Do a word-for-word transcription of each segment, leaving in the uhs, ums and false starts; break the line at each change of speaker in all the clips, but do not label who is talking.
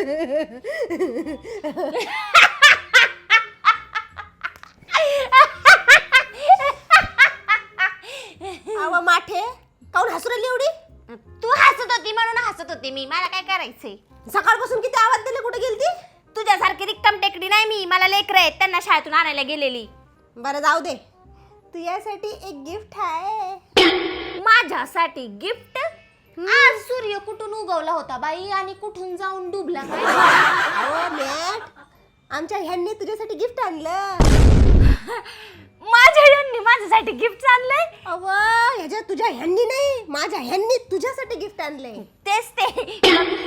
अव माठे काऊन हसू राहिली एवढी?
तू हसत होती म्हणून हसत होती मी. मला काय करायचंय?
सकाळपासून किती आवाज दिले, कुठे गेलती?
तुझ्यासारखी रिक्कम टेकडी नाही मी. मला लेकरं आहेत, त्यांना शाळेतून आणायला गेलेली.
बरं जाऊ दे, तुझ्यासाठी एक गिफ्ट आहे.
माझ्यासाठी गिफ्ट? आज सूर्य कुठून उगवला होता बाई आणि कुठून जाऊन डुबला काय?
अहो मॅट, आमच्या ह्यांनी तुझ्यासाठी गिफ्ट आणलं.
माझ्या यांनी माझ्यासाठी गिफ्ट आणलंय?
अव ह्याच्या तुझ्या ह्यांनी नाही, माझ्या ह्यांनी तुझ्यासाठी गिफ्ट आणलंय.
तेच ते.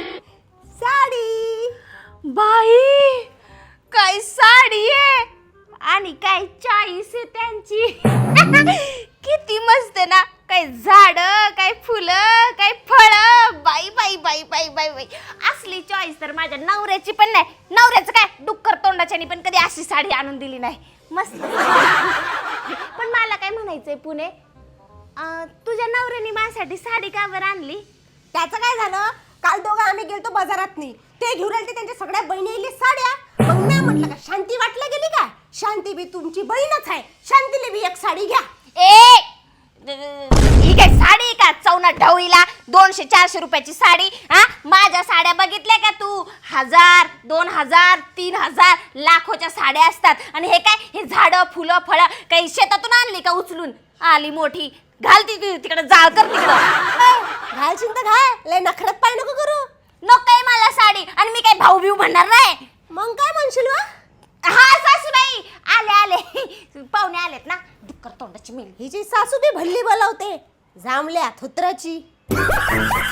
साडी.
बाई काय साडी आहे आणि काय चॉईस आहे त्यांची. किती मस्त ना. काय झाड, काय फुलं, काय फळं. बाई बाई बाई बाई बाई बाई असली चॉईस तर माझ्या नवऱ्याची पण नाही. नवऱ्याचं काय डुक्कर तोंडाच्यानी पण कधी अशी साडी आणून दिली नाही. मस्त. पण मला काय म्हणायचंय पुणे, तुझ्या नवऱ्याने माझ्यासाठी साडी का बरं आणली?
त्याचं काय झालं, काल दोघं आम्ही गेलतो बाजारात नाही, ते घेऊन आले त्यांच्या सगळ्या बहिणीले साड्या. मग मी म्हटलं का शांती वाटलं गेली का? शांती बी तुमची बहीणच आहे, शांतीला बी एक साडी घ्या.
ए ही काय साडी का चौना ढवळीला दोनशे चारशे रुपयाची साडी? हा माझ्या साड्या बघितल्या का तू? हजार, दोन हजार, तीन हजार लाखोच्या साड्या असतात. आणि हे काय, हे झाडं फुलं फळं काही शेतातून आणली का उचलून? आली मोठी घाल ती तिकडे, जाळ कर तिकडं.
घालशील तर घाल, लय नखरत पाय नको करू.
नकोय मला साडी. आणि मी काय भाऊ बिऊ म्हणणार नाही.
मग काय म्हणशील वा?
हा सासूबाई आले आले, पाहुणे आलेत ना. डुक्कर तोंडाची मेली.
हिची सासू बी भल्ली बोलावते, जांभल्या थुत्राची.